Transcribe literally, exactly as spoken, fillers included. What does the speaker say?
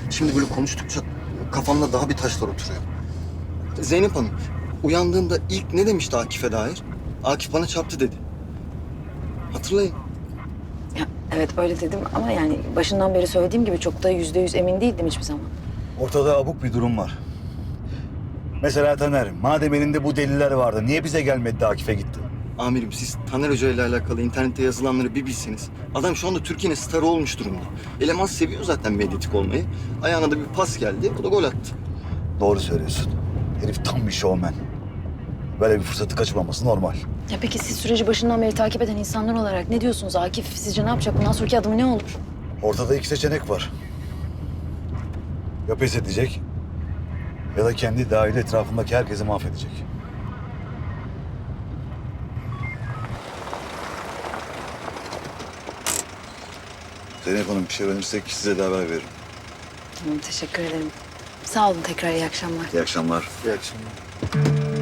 Şimdi böyle konuştukça kafamda daha bir taşlar oturuyor. Zeynep Hanım, uyandığında ilk ne demişti Akif'e dair? Akif bana çarptı dedi. Hatırlayın. Ya, evet öyle dedim ama yani başından beri söylediğim gibi çok da yüzde yüz emin değildim hiçbir zaman. Ortada abuk bir durum var. Mesela Taner, madem elinde bu deliller vardı, niye bize gelmedi de Akif'e gitti? Amirim siz Taner Hoca ile alakalı internette yazılanları bir bilseniz. Adam şu anda Türkiye'nin starı olmuş durumda. Eleman seviyor zaten medyatik olmayı. Ayağına da bir pas geldi, o da gol attı. Doğru söylüyorsun. Herif tam bir şovmen. Böyle bir fırsatı kaçırmaması normal. Ya peki siz süreci başından beri takip eden insanlar olarak ne diyorsunuz? Akif sizce ne yapacak? Bundan sonraki adımı ne olur? Ortada iki seçenek var. Ya pes edecek ya da kendi dahil etrafındaki herkesi mahvedecek. Zeynep Hanım bir şey öğrenirsek size de haber veririm. Tamam, teşekkür ederim. Sağ olun tekrar, iyi akşamlar. İyi akşamlar. İyi akşamlar.